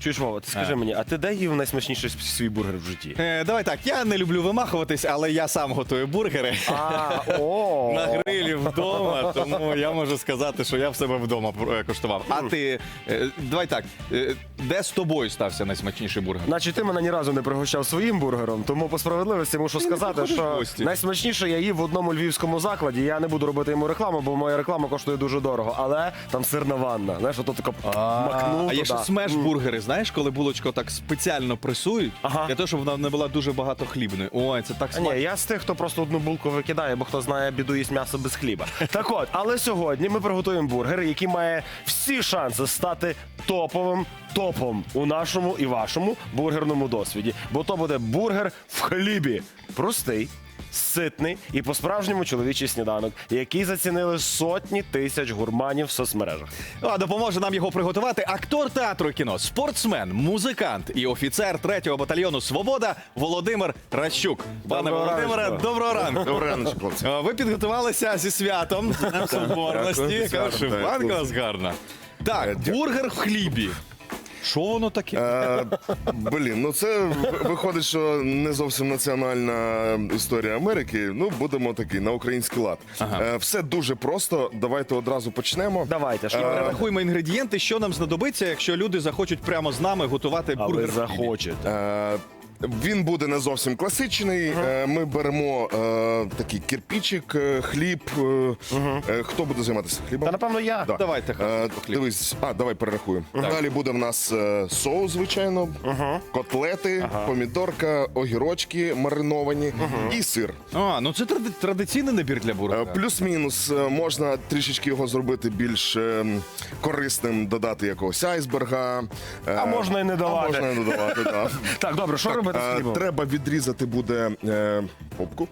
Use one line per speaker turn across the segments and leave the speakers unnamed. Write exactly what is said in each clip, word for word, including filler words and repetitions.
Чуєш, Вова, ти скажи
А.
мені, а ти де їв найсмачніший свій бургер в житті?
Е, давай так, я не люблю вимахуватись, але я сам готую бургери.
А, о.
На грилі вдома, тому я можу сказати, що я в себе вдома е, коштував. А ти, е, давай так, е, де з тобою стався найсмачніший бургер?
Значить, ти мене ні разу не пригощав своїм бургером, тому по справедливості мушу сказати,
приходиш в
що
гості.
найсмачніше я їв в одному львівському закладі. Я не буду робити йому рекламу, бо моя реклама коштує дуже дорого. Але там сирна ванна. Знаєш, ото тако макнув
А є ще
туди.
смеш-бургери, знаєш, коли булочку так спеціально пресують,
Ага.
для того, щоб вона не була дуже багато хлібною. Ой, це так
А
смачно.
ні, я з тих, хто просто одну булку викидає, бо хто знає, біду їсть м'ясо без хліба. Так от, але сьогодні ми приготуємо бургер, який має всі шанси стати топовим топом у нашому і вашому бургерному досвіді. Бо то буде бургер в хлібі. Простий, ситний і по-справжньому чоловічий сніданок, який зацінили сотні тисяч гурманів в соцмережах.
А допоможе нам його приготувати актор театру і кіно, спортсмен, музикант і офіцер третього батальйону «Свобода» Володимир Ращук. Пане
Доброго
Володимире,
ранку.
доброго ранку.
Добрий ранок, хлопці.
А, Ви підготувалися зі святом, з Днем Соборності.
Дякую.
Вишиванка у вас гарна. Так, бургер в хлібі. Що воно таке?
Е, Блін, ну це в- виходить, що не зовсім національна історія Америки. Ну, будемо такий на український лад. Е, Все дуже просто. Давайте одразу почнемо.
Давайте, що
Перерахуємо інгредієнти, що нам знадобиться, якщо люди захочуть прямо з нами готувати
а ви
бургер в хлібі.
захочете.
Е, Він буде не зовсім класичний. Е, Ми беремо е, такий кирпичик, е, хліб. Е, е, Хто буде займатися хлібом?
Та напевно я.
Да.
Давайте,
Е,
хліб.
Дивись, а давай перерахуємо. Далі буде в нас е, соус, звичайно, котлети, помідорка, огірочки мариновані і сир.
А, ну це тради- традиційний набір для
Е,
бургера.
Плюс-мінус е, можна трішечки його зробити більш е, корисним, додати якогось айсберга. е,
А можна і не
А
давати.
можна і не додавати, так.
Так, добре, що робити з
Е,
хлібом?
Треба відрізати буде е, попку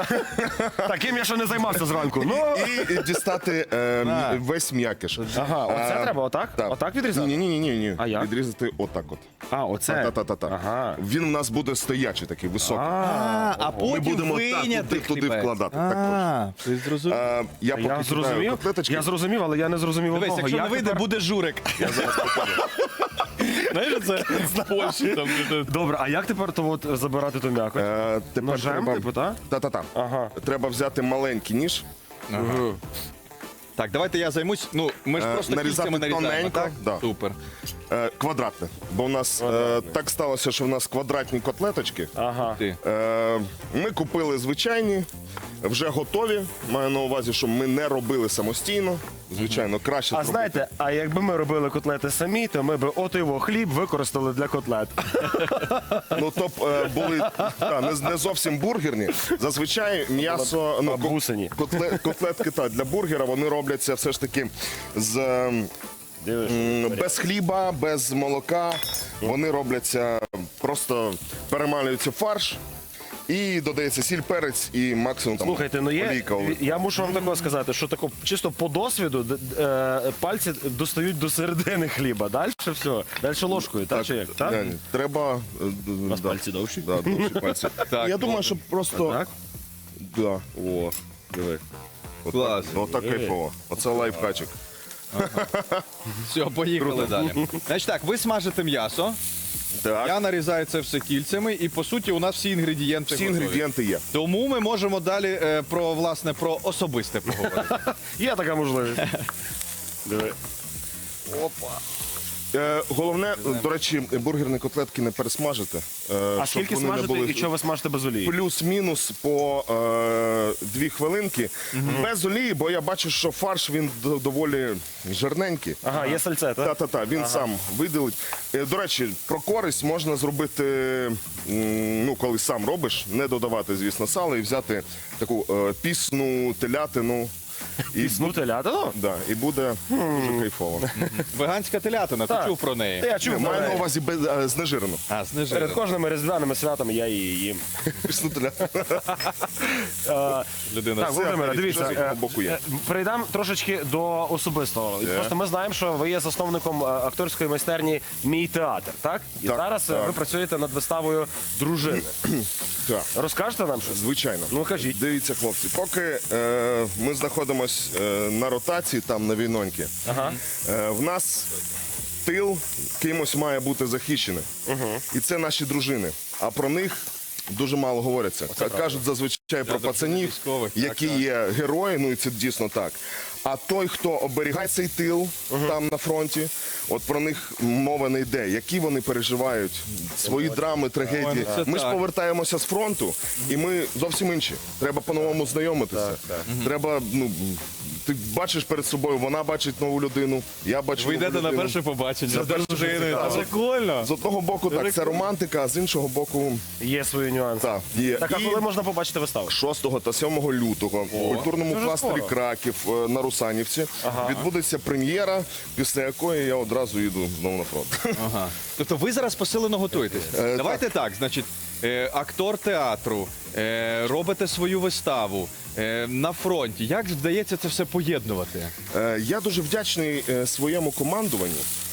Таким я ще не займався зранку. Ну,
і дістати е,
А.
м- весь м'якиш.
ага, оце
Е,
треба отак?
так.
Отак відрізати?
Ні, ні, ні, ні, ні.
А як?
Відрізати отак от.
А, оце?
Та-та-та-та.
Ага.
Він у нас буде стоячий такий, високий.
А, а
Ми
потім
будемо так
вийняти
туди, туди
хлібець.
вкладати. Так
А, ти зрозумів.
Е, Я поки
Я
кидаю
зрозумів,
котлеточки.
я зрозумів, але я не зрозумів
Дивись,
одного.
якщо не
Як
вийде,
тепер-
буде журик. Знаєш, це з Польщі там.
Добре, а як тепер то от забирати ту м'якоть?
Е, Тепер
Ножем,
треба...
типу, та?
Та-та-та.
Ага.
Треба взяти маленький ніж,
Так, давайте я займусь. Ну, ми ж
Е,
просто
нарізати
кільцями нарізаємо,
тоненько,
так?
да.
Супер.
е, квадратне. Бо у нас е, так сталося, що в нас квадратні котлеточки.
Ага.
Ти.
Е, Ми купили звичайні, вже готові. Маю на увазі, що ми не робили самостійно. Звичайно, краще
А
зробити.
знаєте, а якби ми робили котлети самі, то ми б от його хліб використали для котлет.
Ну, то б е, були та, не, не зовсім бургерні. Зазвичай м'ясо, ну, ко-
бабусині.
котле, котлетки та, для бургера, вони робляться все ж таки з ем,
Дивиш?
м, без хліба, без молока. Вони робляться, просто перемалюється фарш. І додається сіль, перець і максимум там
Слухайте, ну є,
олійка.
я мушу вам такого сказати, що тако, чисто по досвіду д- е, пальці достають до середини хліба. Далі все. Далі ложкою, так, чи як? Так?
Ні, ні, треба. е,
У нас
да,
пальці довші?
Да, довші пальці.
Так,
Я думаю, що просто.
Так?
Да.
О, диви.
Клас.
Отак кайфово. Оце лайфхачик.
Все, поїхали далі. Значить так, ви смажите м'ясо,
Так.
я нарізаю це все кільцями, і по суті у нас всі інгредієнти
Всі
готові.
інгредієнти є.
Тому ми можемо далі е, про власне про особисте поговорити.
Є така можливість. Диви.
Опа.
Е, головне, до речі, бургерні котлетки не пересмажити. е,
А
щоб
скільки
вони не
смажите
були-
і що ви смажите без олії?
Плюс-мінус по е, дві хвилинки. Без олії, бо я бачу, що фарш він д- доволі жирненький.
Ага, є сальце, так?
Та-та-та, він сам виділить. Е, До речі, про користь можна зробити, м, ну, коли сам робиш, не додавати, звісно, сало і взяти таку е, пісну телятину. І,
Пісну телятину?
да, і буде дуже кайфово.
Веганська телятина, ти
Так.
чув про неї?
Та я чув,
Маю на
але
увазі без, е, знежирену.
А,
перед
знижено.
кожними різдвяними святами я її їм.
Пісну телятину.
Е,
Людина.
Так, Володимире,
Все,
дивіться,
щось з якого
е,
боку є.
е, перейдемо трошечки до особистого.
Є.
Просто ми знаємо, що ви є засновником е, акторської майстерні «Мій театр», так? І
Так,
зараз е,
так.
ви працюєте над виставою «Дружини».
Так.
Розкажете нам щось?
Звичайно.
Ну, кажіть.
Дивіться, хлопці, поки е, ми знаходимося е, на ротації там на війноньки,
Ага.
е, в нас тил кимось має бути захищений. І це наші дружини. А про них дуже мало говориться. Кажуть зазвичай про пацанів,
військових, так,
які
так.
є герої, ну і це дійсно так. А той, хто оберігає цей тил там на фронті, от про них мова не йде. Які вони переживають, свої драми, трагедії.
це
Ми ж
так.
повертаємося з фронту, і ми зовсім інші. Треба по-новому знайомитися. Треба, ну, ти бачиш перед собою, вона бачить нову людину, я бачу
Ви
нову
йдете на
людину.
перше побачення
Це
з
дуже
дружиною.
цікаво.
Це прикольно.
З одного боку, так, це романтика, а з іншого боку,
Є свої нюанси.
так, є.
Так, а
І
коли можна побачити виставу?
шостого та сьомого лютого в культурному
Дуже
кластері
скоро.
Краків е, на Русанівці відбудеться прем'єра, після якої я одразу їду знову на фронт.
Ага. Тобто ви зараз посилено готуєтесь.
Е,
Давайте так, значить, е, актор театру, е, робите свою виставу е, на фронті. Як вдається це все поєднувати?
Е, Я дуже вдячний е, своєму командуванню,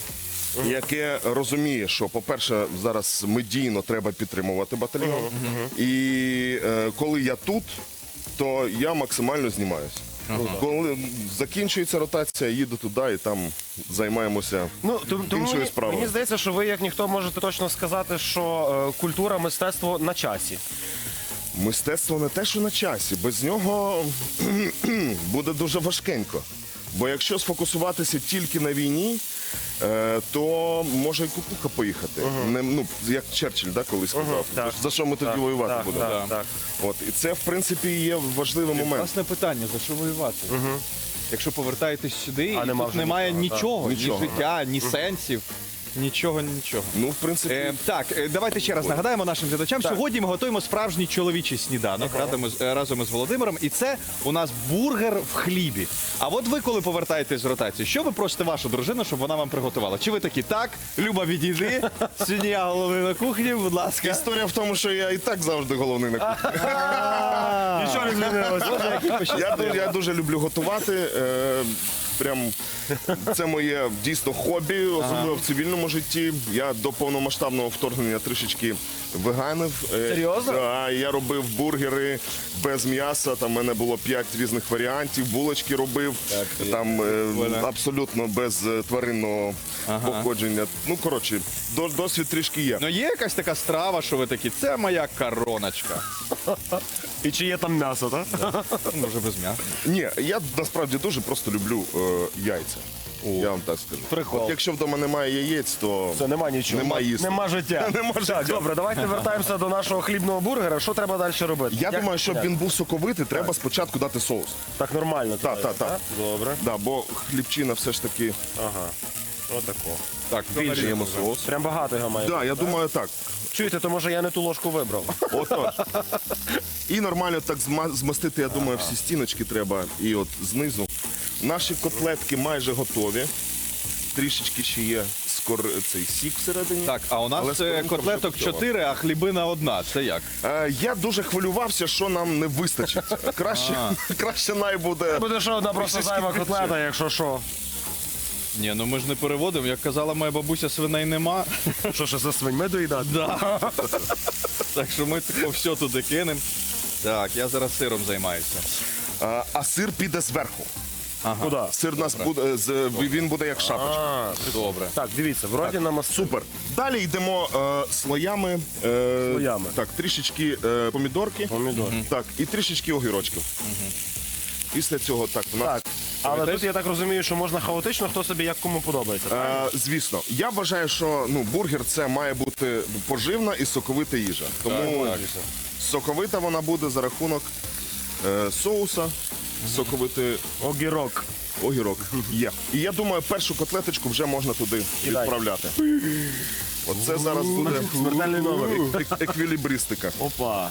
яке розуміє, що, по-перше, зараз медійно треба підтримувати батальйон. І е, коли я тут, то я максимально знімаюся. Коли закінчується ротація, їду туди і там займаємося
Ну, тому, тому
іншою
мені,
справою.
мені здається, що ви, як ніхто, можете точно сказати, що е, культура, мистецтво на часі.
Мистецтво не те, що на часі. Без нього буде дуже важкенько. Бо якщо сфокусуватися тільки на війні, е, то може і кукуха поїхати. Не, ну, як Черчилль, да, колись сказав.
так.
За що ми тоді воювати
Так,
будемо?
так, так.
От. І це, в принципі, є важливий момент.
Власне питання, за що воювати? Якщо повертаєтесь сюди,
А
і
нема
тут
вже
немає
нічого,
нічого,
Нічого.
ні життя, ні сенсів, нічого, нічого.
Ну, в принципі,
Е, так, е, давайте ще раз нагадаємо нашим глядачам. Сьогодні ми готуємо справжній чоловічий сніданок разом, із, е, разом із Володимиром. І це у нас бургер в хлібі. А от ви, коли повертаєтесь з ротації, що ви просите вашу дружину, щоб вона вам приготувала? Чи ви такі, так, Люба, відійди, сьогодні я головний на кухні, будь ласка.
історія в тому, що я і так завжди головний на кухні.
Нічого не змінилося.
Я, ду- я дуже люблю готувати. Е, прям це моє дійсно хобі, особливо в цивільному житті. Я до повномасштабного вторгнення трішечки веганив. Е,
Серйозно?
Да, я робив бургери без м'яса. Там в мене було п'ять різних варіантів. Булочки робив. Там е, абсолютно без е, тваринного походження. Ну коротше, до- досвід трішки є.
Ну є якась така страва, що ви такі, це моя короночка.
І чи є там м'ясо, так?
Ну, вже без м'яса.
Ні, я насправді дуже просто люблю е, яйця. Я вам так скажу.
Прикол.
От якщо вдома немає яєць, то
Це нема нічого.
Нема їсти.
Нема життя.
Нема життя.
Так, добре, давайте вертаємося до нашого хлібного бургера. Що треба далі робити?
я
Як-
думаю, щоб
як?
він був соковитий, треба спочатку дати соус.
Так нормально.
Так,
треба,
так, так.
Добре.
Да, бо хлібчина все ж таки
Ага. Отако.
Так,
більше йому соус.
Прям багато його має.
Да, я думаю, так.
Чуєте, то може я не ту ложку вибрав.
Отож. І нормально так зма- змастити, я думаю, всі стіночки треба. І от знизу. Наші котлетки майже готові. Трішечки ще є скор... цей сік всередині.
Так, а у
Але
нас е,
скоринка вже
котлеток
готова.
чотири, а хлібина одна. Це як?
Е, я дуже хвилювався, що нам не вистачить. Краще, краще най буде.
Буде ще одна просто
Трішечки
зайва
більше.
котлета, якщо що.
Ні, ну ми ж не переводимо. Як казала моя бабуся, свиней нема.
Що ще за свиньми доїдати?
Да. Так що ми тако все туди кинемо. Так, я зараз сиром займаюся.
А, а сир піде зверху.
Куди?
Сир у нас буде з він буде як шапочка.
А,
Добре.
так, дивіться, вроді нам
Супер. Далі йдемо е, слоями. Е,
Слоями.
Так, трішечки е, помідорки.
Помідор.
Так, і трішечки огірочків. Після цього так у нас.
Так, але тут я так розумію, що можна хаотично, хто собі як кому подобається.
Е, звісно, я вважаю, що ну, бургер це має бути поживна і соковита їжа. Тому соковита вона буде за рахунок е, соуса, соковитий
Огірок.
огірок. Є. І я думаю, першу котлеточку вже можна туди
Кидай.
відправляти. Оце зараз буде
Смертельний номер.
ек- еквілібристика.
Опа.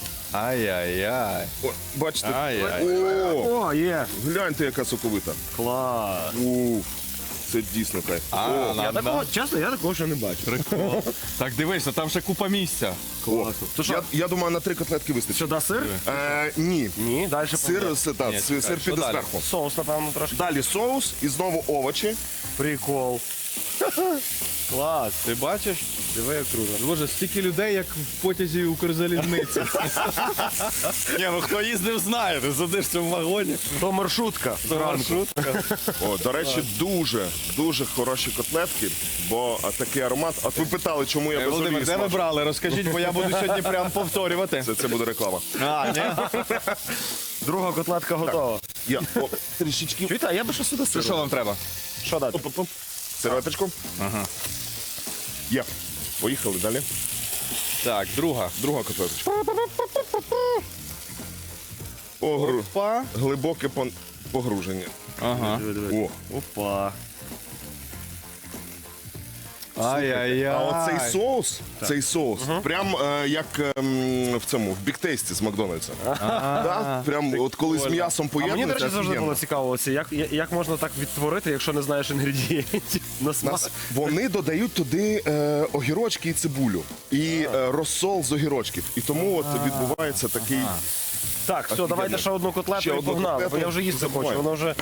Ай-яй-яй.
О, бачите?
Ай-яй.
О,
О, є.
гляньте, яка соковита.
Клас.
Уф, це дійсно кайф.
А,
О,
Я
нам,
такого,
нам.
чесно, я такого ще не бачу.
Так, дивися, там ще купа місця.
о.
То що?
Я, я думаю, на три котлетки вистачить.
Сюди сир?
Е, ні.
Ні, далі
Сир, сир, так,
Ні,
сир,
чекай,
сир
що
піде
далі?
зверху.
Соус, напевно, трошки.
Далі соус і знову овочі.
Прикол. Клас.
Ти бачиш?
Диви, як круто.
Боже, стільки людей, як в потязі Укрзалізниці. Ні, ну хто їздив, знає. Ти сидиш в цьому вагоні.
То маршрутка.
Це маршрутка.
О, до речі, дуже, дуже хороші котлетки, бо а, такий аромат. От ви питали, чому я без
Володимир,
олії
де ви
смажу?
брали? Розкажіть, бо я буду сьогодні прям повторювати.
Це, це буде реклама.
А, ні?
Друга котлетка готова.
Я о, трішечки
Чуєте, а я би що сюди
Це
сиру.
що вам треба?
Що дати?
серветочку.
Ага.
Є. Поїхали далі.
Так, друга.
Друга котлеточка. Погру...
Па.
Глибоке пон- погруження.
Ага.
Диви, диви.
О.
Опа.
Ай-яй-яй.
А оцей соус, цей соус, прям е, як ем, в цьому, в біктейсті з Макдональдса. Да? Прям от коли з м'ясом
А мені, до
поєднується,
речі, завжди
офігенно.
було цікаво, оце, як, я- як можна так відтворити, якщо не знаєш інгредієнтів на смак.
Нас, вони додають туди е, огірочки і цибулю. І е, розсол з огірочків. І тому от відбувається такий...
Так, все,
Офігенно.
давайте ще одну котлету
Ще
і
одну
погнали, бо
котлету.
я вже їсти хочу,
Забуваємо.
воно вже...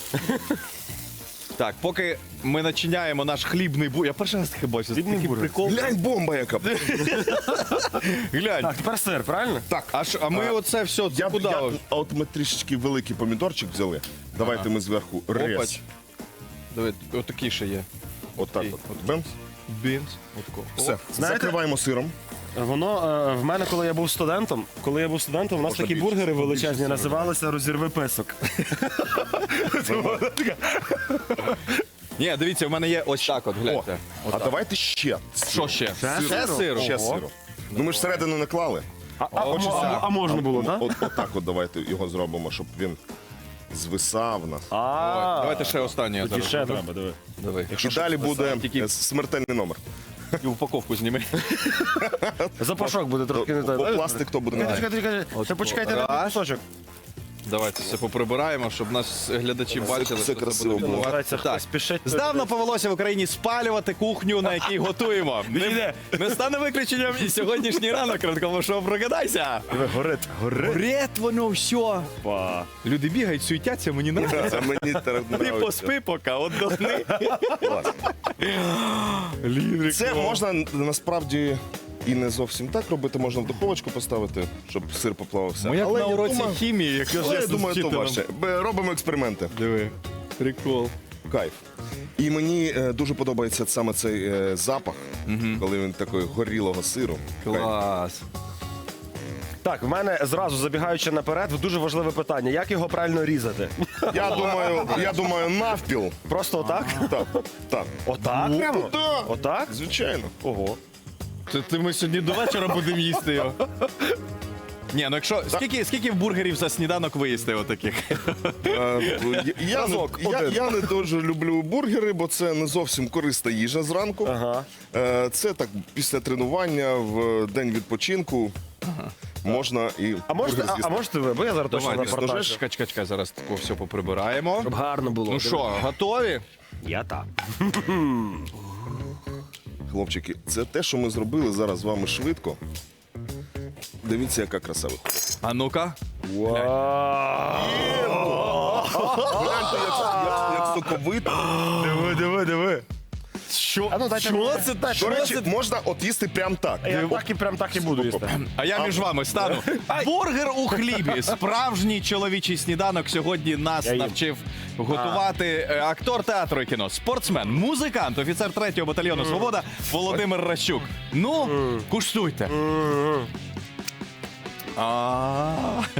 Так, поки ми начиняємо наш хлібний бургер. Я перший раз таке бачу. Це
Хлібний
такий
бургер.
прикол.
Глянь, бомба яка.
Глянь.
Так, тепер сир, правильно?
Так,
А, ж- а ми оце все, це
я,
куди?
я, а от ми трішечки великий помідорчик взяли. Давайте ми зверху рез.
Опач. Диви, отакий ще є.
Отак
Окей.
от. Бенц.
Бінс. Отако.
Все.
Знаєте-
Закриваємо сиром.
Воно е, в мене, коли я був студентом, коли я був студентом, у нас
Можна
такі
більше,
бургери
більше
величезні
сиру.
називалися розірви писок.
Ні, дивіться, в мене є ось так от,
О,
гляньте.
а давайте ще.
Що ще?
Ще
Ще
сиру?
сиру?
Ще
Ого.
сиру. Ну ми ж всередину не клали.
А, а,
Хочеться-
а, а можна було, так?
От, от так от давайте його зробимо, щоб він звисав нас.
А,
Давайте ще останнє я
тоді
зараз.
ще
зроблю.
треба, диви.
Диви.
І далі буде
тільки-
е, смертельний номер.
І упаковку зніми.
Запашок буде трохи не
Бо
той.
пластик то буде
Чекайте,
не так.
чекайте, чекайте. Ще почекайте на
Раз.
кусочок.
Давайте все поприбираємо, щоб нас глядачі бачили.
все
що це
красиво
буде
було.
відбуватися.
Старається хтось
Так.
спішить.
Здавна повелося в Україні спалювати кухню, на якій готуємо. Не, не стане виключенням і сьогоднішній ранок ранкового шоу «Прокидайся».
Диви, горить, горить.
Горить воно все.
Па.
Люди бігають, суетяться, мені не подобається.
Це мені так
Ти
нравиться.
поспи поки, отдохни.
Клас. Це можна насправді і не зовсім так робити, можна в духовочку поставити, щоб сир поплавився.
Ми як
Але
на
я
уроці
думаю-
хімії, як
Але я
з
думаю, то
вчителем.
важче. Б- Робимо експерименти.
Диви, прикол.
Кайф. І мені е, дуже подобається саме цей е, запах, коли він такий горілого сиру. Кайф.
Клас.
Так, в мене зразу забігаючи наперед, дуже важливе питання. Як його правильно різати?
Я думаю, я думаю, навпіл.
Просто отак?
Так, так.
Отак прямо?
Так.
Отак?
Звичайно.
Ого.
Це ти ми сьогодні до вечора будемо їсти його. Ні, ну якщо скільки, скільки бургерів за сніданок ви їсте отаких?
Е, я, я,
Разок,
не, я,
один.
я не дуже люблю бургери, бо це не зовсім корисна їжа зранку.
Ага.
Е, Це так після тренування в день відпочинку можна і
А можете,
бургер
а, а
з'їсти.
можете ви? Бо я зараз точно
Давайте,
запортажу.
чекай, чекай, чекай, зараз тако все поприбираємо.
Щоб гарно було.
Ну що, готові?
Я так.
Хлопчики, це те, що ми зробили зараз з вами швидко. Дивіться, яка краса виходить.
А ну-ка.
Вау!
Гляньте, як, як, як соковито.
Диви, диви, диви.
Що?
А ну, дайте
Що
мені.
це так?
До речі, можна от їсти прям так.
Я так і прям так і буду їсти.
А я між вами стану. Бургер у хлібі. Справжній чоловічий сніданок сьогодні нас
Я їм.
навчив готувати е, актор театру і кіно, спортсмен, музикант, офіцер третього батальйону «Свобода» Володимир Ращук. Ну, куштуйте. А.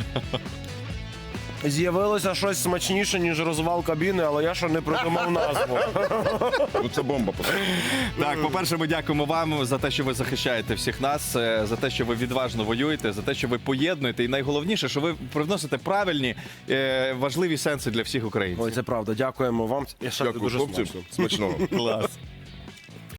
З'явилося щось смачніше, ніж розвал кабіни, але я ще не придумав назву.
Ну це бомба. просто.
Так, по-перше, ми дякуємо вам за те, що ви захищаєте всіх нас, е, за те, що ви відважно воюєте, за те, що ви поєднуєте, і найголовніше, що ви привносите правильні, е, важливі сенси для всіх українців.
Ой, це правда. Дякуємо вам. Я ще
Дякую,
дуже
хлопці.
смачно.
Смачного.
Клас.